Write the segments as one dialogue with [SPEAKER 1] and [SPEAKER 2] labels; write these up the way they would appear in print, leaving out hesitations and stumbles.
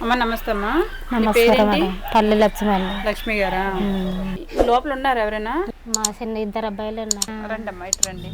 [SPEAKER 1] అమ్మ నమస్తే అమ్మా.
[SPEAKER 2] నమస్కారం మేడం. పల్లె లక్ష్మి అండి.
[SPEAKER 1] లక్ష్మి గారా? లోపల ఉన్నారు ఎవరైనా?
[SPEAKER 2] మా చిన్న ఇద్దరు అబ్బాయిలు ఉన్నారు.
[SPEAKER 1] రండి అమ్మా, ఇటు రండి.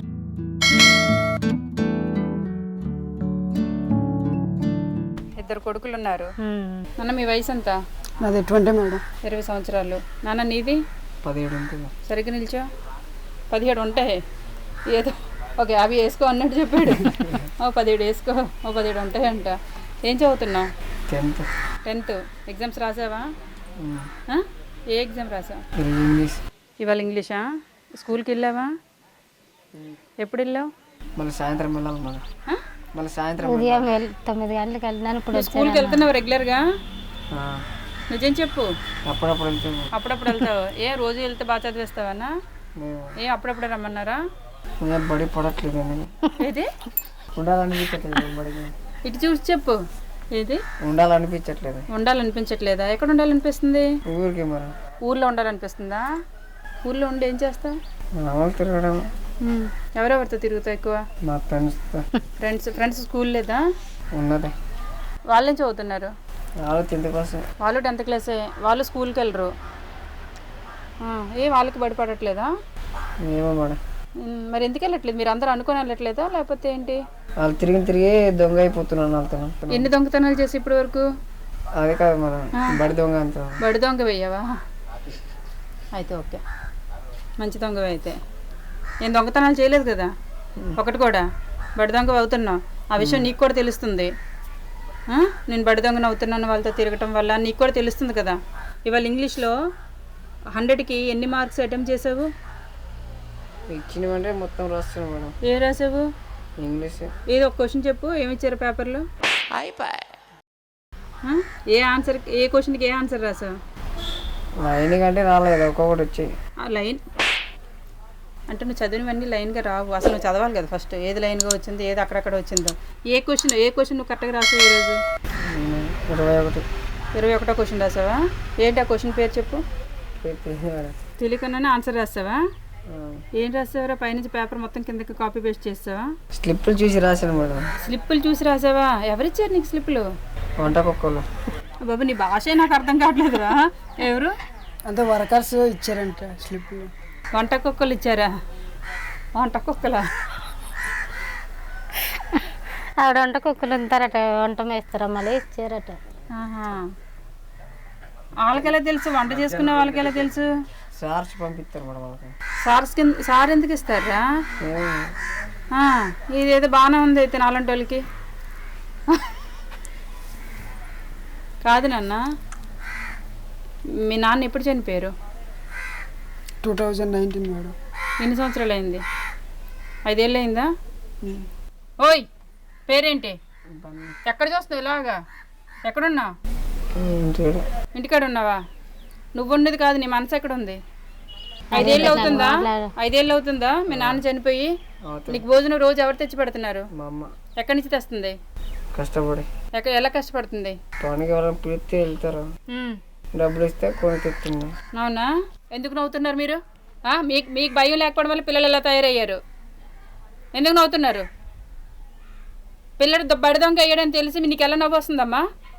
[SPEAKER 1] ఇద్దరు కొడుకులు ఉన్నారు. నాన్న మీ వయసు ఎంత?
[SPEAKER 3] నాది 20 మేడం.
[SPEAKER 1] 20 సంవత్సరాలు. నాన్న నీది?
[SPEAKER 3] 17 ఉంటుంది.
[SPEAKER 1] సరిగ్గా నిల్చో. 17 ఉంటాయి ఏదో. ఓకే, అవి వేసుకో అన్నట్టు చెప్పాడు. 17 వేసుకో, 17 ఉంటాయంట. ఏం చదువుతున్నావు? 10th. ఎగ్జామ్స్ రాసావా? ఏ ఎగ్జామ్ రాసావు?
[SPEAKER 3] ఇంగ్లీష్.
[SPEAKER 1] ఇవాళ ఇంగ్లీషా? స్కూల్కి వెళ్ళావా? ఎప్పుడు వెళ్ళావు?
[SPEAKER 3] మళ్ళీ సాయంత్రం వెళ్ళాలి మేడం. మళ్ళీ సాయంత్రం
[SPEAKER 2] ఉదయం 9 గంటలకు వెళ్ళినాను. ఇప్పుడు
[SPEAKER 1] స్కూల్కి వెళ్తున్నావు రెగ్యులర్గా? నిజం చెప్పు.
[SPEAKER 3] అప్పుడప్పుడు వెళ్తాను.
[SPEAKER 1] అప్పుడప్పుడు వెళ్తావు. ఏ రోజు వెళ్తే బాగా చదివేస్తావన్నా? ఏ అప్పుడప్పుడు రమ్మన్నారా?
[SPEAKER 3] బడి పడట్లేదు.
[SPEAKER 1] ఏది
[SPEAKER 3] ఉండాలనిపించట్లేదు బడికి.
[SPEAKER 1] ఇటు చూసి చెప్పు. ఏది
[SPEAKER 3] ఉండాలనిపించట్లేదు?
[SPEAKER 1] ఉండాలనిపించట్లేదా? ఎక్కడ ఉండాలనిపిస్తుంది?
[SPEAKER 3] ఊరికి మరి.
[SPEAKER 1] ఊర్లో ఉండాలనిపిస్తుందా? ఊర్లో ఉండి ఏం చేస్తావు?
[SPEAKER 3] తిరగడం.
[SPEAKER 1] ఎవరెవరితో తిరుగుతావు ఎక్కువ?
[SPEAKER 3] మా
[SPEAKER 1] ఫ్రెండ్స్ స్కూల్ లేదా?
[SPEAKER 3] ఉన్నది.
[SPEAKER 1] వాళ్ళేం చదువుతున్నారు?
[SPEAKER 3] వాళ్ళు 10th క్లాస్.
[SPEAKER 1] వాళ్ళు 10th క్లాసే. వాళ్ళు స్కూల్కి వెళ్ళరు. వాళ్ళకి బడిపడట్లేదా?
[SPEAKER 3] ఏమో మేడం.
[SPEAKER 1] మరి ఎందుకు వెళ్ళట్లేదు? మీరు అందరూ అనుకుని వెళ్ళట్లేదా లేకపోతే ఏంటి?
[SPEAKER 3] వాళ్ళు తిరిగి దొంగ అయిపోతున్నాను వాళ్ళతో.
[SPEAKER 1] ఎన్ని దొంగతనాలు చేసి ఇప్పటి వరకు?
[SPEAKER 3] అదే కాదు మేడం, బడి దొంగ అంత.
[SPEAKER 1] బడి దొంగ వెయ్యవా? అయితే ఓకే, మంచి దొంగ అయితే. నేను దొంగతనాలు చేయలేదు కదా ఒకటి కూడా. బడి దొంగ అవుతున్నావు, ఆ విషయం నీకు కూడా తెలుస్తుంది. నేను బడి దొంగను అవుతున్నాను వాళ్ళతో తిరగటం వల్ల, నీకు కూడా తెలుస్తుంది కదా. ఇవాళ ఇంగ్లీష్లో 100కి ఎన్ని మార్క్స్ అటెంప్ట్ చేసావు?
[SPEAKER 3] ఇచ్చినవంటే మొత్తం రాస్తున్నాను మేడం.
[SPEAKER 1] ఏం రాసావు?
[SPEAKER 3] ఇంగ్లీష్.
[SPEAKER 1] ఏదో ఒక క్వశ్చన్ చెప్పు. ఏమి ఇచ్చారు పేపర్లో? ఏ ఆన్సర్, ఏ క్వశ్చన్కి ఏ ఆన్సర్ రాసావు?
[SPEAKER 3] లైన్ కంటే రాలేదు, ఒక్కొక్కటి వచ్చి.
[SPEAKER 1] లైన్ అంటే నువ్వు చదివినవన్నీ లైన్గా రావు. అసలు నువ్వు చదవాలి కదా ఫస్ట్. ఏది లైన్గా వచ్చిందో, ఏది అక్కడక్కడ వచ్చిందో. ఏ క్వశ్చన్ నువ్వు కరెక్ట్గా రాసావు ఈరోజు? 21 క్వశ్చన్ రాసావా? ఏంటి ఆ క్వశ్చన్ పేరు చెప్పు. తెలియకుండానే ఆన్సర్ రాసావా? ఏం రాసావరా? పైనుంచి పేపర్ మొత్తం కిందకి కాపీ పేస్ట్ చేస్తావా?
[SPEAKER 3] స్లిప్పులు చూసి రాశాను మేడం.
[SPEAKER 1] స్లిప్పులు చూసి రాసావా? ఎవరిచ్చారు నీకు స్లిప్పులు?
[SPEAKER 3] వంట కుక్కలు.
[SPEAKER 1] బాబు నీ భాషే నాకు అర్థం కావట్లేదురా. ఎవరు?
[SPEAKER 3] అంతే వర్కర్స్ ఇచ్చారంట స్లిప్పులు.
[SPEAKER 1] వంట కుక్కలు ఇచ్చారా? వంట కుక్కలా?
[SPEAKER 2] ఆవిడ వంట కుక్కలు ఉంటారట, వంట వేస్తారా మళ్ళీ ఇచ్చారట.
[SPEAKER 1] వాళ్ళకెలా తెలుసు? వంట చేసుకునే వాళ్ళకెలా తెలుసు?
[SPEAKER 3] సార్స్ పంపిస్తారు మేడం వాళ్ళకి.
[SPEAKER 1] సార్ ఎందుకు ఇస్తారా? ఇదేదో బాగానే ఉంది అయితే నాలంటి వాళ్ళకి. కాదు నాన్న, మీ నాన్న ఎప్పుడు చనిపోయారు?
[SPEAKER 3] 2019 మేడం.
[SPEAKER 1] ఎన్ని సంవత్సరాలు అయింది? 5 ఏళ్ళు అయిందా? ఓయ్ పేరేంటి? ఎక్కడ చూస్తున్నావు ఇలాగా? ఎక్కడున్నావు? ఇంటికాడ ఉన్నావా? నువ్వు ఉండేది కాదు, నీ మనసు ఎక్కడ ఉంది? 5 ఏళ్ళు అవుతుందా? 5 ఏళ్ళు అవుతుందా మీ నాన్న చనిపోయి? నీకు భోజనం రోజు ఎవరు తెచ్చి పెడుతున్నారు?
[SPEAKER 3] మా అమ్మ.
[SPEAKER 1] ఎక్కడి నుంచి తెస్తుంది?
[SPEAKER 3] కష్టపడి.
[SPEAKER 1] ఎలా కష్టపడుతుంది?
[SPEAKER 3] పనికి ఎవరైనా పిలిస్తే వెళ్తారు, డబ్బులు ఇస్తే కొని తెస్తుంది.
[SPEAKER 1] అవునా? ఎందుకు నవ్వుతున్నారు మీరు? మీకు భయం లేకపోవడం వల్ల పిల్లలు ఎలా తయారయ్యారు? ఎందుకు నవ్వుతున్నారు? పిల్లడు బడి దొంగ వేయడని తెలిసి నీకు ఎలా నవ్వు వస్తుందమ్మా?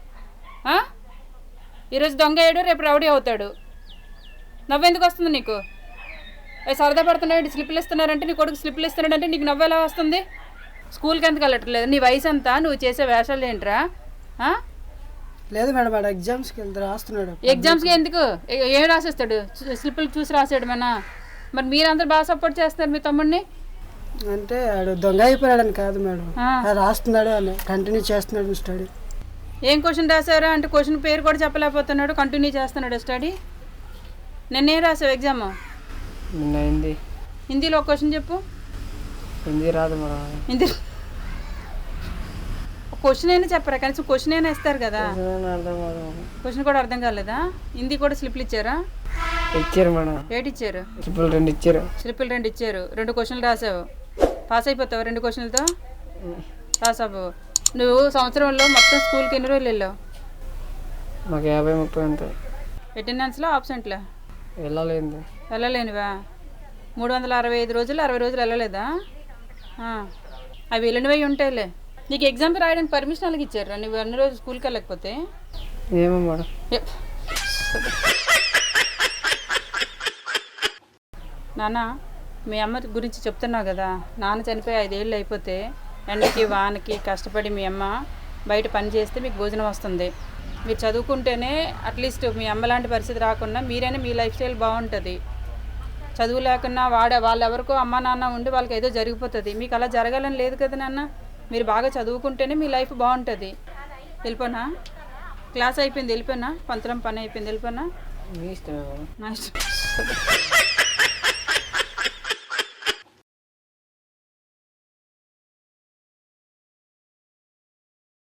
[SPEAKER 1] ఈరోజు దొంగ వేయడు, రేపు రౌడీ అవుతాడు. నవ్వు ఎందుకు వస్తుంది నీకు? సరదా పడుతున్నాడు, స్లిప్లు ఇస్తున్నారంటే, నీ కొడుకు స్లిప్లు ఇస్తున్నాడంటే నీకు నవ్వు ఎలా వస్తుంది? స్కూల్కి ఎందుకు వెళ్ళట్లేదు? నీ వయసు అంతా, నువ్వు చేసే వేషాలు ఏంట్రా?
[SPEAKER 3] లేదు మేడం, వాడు ఎగ్జామ్స్కి వెళ్తే రాస్తున్నాడు.
[SPEAKER 1] ఎగ్జామ్స్కి ఎందుకు? ఏం రాసేస్తాడు? స్లిప్పులు చూసి రాసాడు మన. మరి మీరందరూ బాగా సపోర్ట్ చేస్తున్నారు మీ తమ్ముడిని.
[SPEAKER 3] అంటే వాడు దొంగ అయిపోయాడని కాదు మేడం, రాస్తున్నాడు అని కంటిన్యూ చేస్తున్నాడు స్టడీ.
[SPEAKER 1] ఏం క్వశ్చన్ రాసారా అంటే క్వశ్చన్ పేరు కూడా చెప్పలేకపోతున్నాడు, కంటిన్యూ చేస్తున్నాడు స్టడీ. నిన్నేం రాసావు ఎగ్జామ్?
[SPEAKER 3] నిన్న
[SPEAKER 1] హిందీలో ఒక క్వశ్చన్ చెప్పు.
[SPEAKER 3] హిందీ రాదు మేడం.
[SPEAKER 1] హిందీ క్వశ్చన్ అయినా చెప్పరా? కనీసం క్వశ్చన్ అయినా ఇస్తారు కదా. క్వశ్చన్ కూడా అర్థం కాలేదా? హిందీ కూడా స్లిప్లు ఇచ్చారా?
[SPEAKER 3] ఇచ్చారు మేడం.
[SPEAKER 1] ఏటి ఇచ్చారు?
[SPEAKER 3] స్లిప్పులు 2 ఇచ్చారు.
[SPEAKER 1] స్లిప్పులు 2 ఇచ్చారు. 2 క్వశ్చన్లు రాసావు. పాస్ అయిపోతావు 2 క్వశ్చన్లతో? రాసావు. నువ్వు సంవత్సరంలో మొత్తం స్కూల్కి ఎన్ని రోజులు వెళ్ళావు?
[SPEAKER 3] మాకు 50-30 అంతే.
[SPEAKER 1] అటెండెన్స్లో ఆబ్సెంట్లా?
[SPEAKER 3] వెళ్ళలేనివా?
[SPEAKER 1] 365 రోజులు 60 రోజులు వెళ్ళలేదా? అవి వెళ్ళినవి ఉంటాయిలే. నీకు ఎగ్జామ్ రాయడానికి పర్మిషన్ అలాగే ఇచ్చారా? నువ్వు అన్ని రోజులు స్కూల్కి వెళ్ళకపోతే?
[SPEAKER 3] ఏమో మేడం.
[SPEAKER 1] నాన్న మీ అమ్మ గురించి చెప్తున్నావు కదా, నాన్న చనిపోయి 5 ఏళ్ళు అయిపోతే ఎండకి వానకి కష్టపడి మీ అమ్మ బయట పని చేస్తే మీకు భోజనం వస్తుంది. మీరు చదువుకుంటేనే అట్లీస్ట్ మీ అమ్మ లాంటి పరిస్థితి రాకుండా మీరైనా మీ లైఫ్ స్టైల్ బాగుంటుంది. చదువు లేకున్నా వాళ్ళు ఎవరికో అమ్మ నాన్న ఉండి వాళ్ళకి ఏదో జరిగిపోతుంది. మీకు అలా జరగాలని లేదు కదా నాన్న. మీరు బాగా చదువుకుంటేనే మీ లైఫ్ బాగుంటుంది. వెళ్ళిపోనా? క్లాస్ అయిపోయింది వెళ్ళిపోయినా, పంతరం పని అయిపోయింది వెళ్ళిపోయినా, నా ఇష్టం.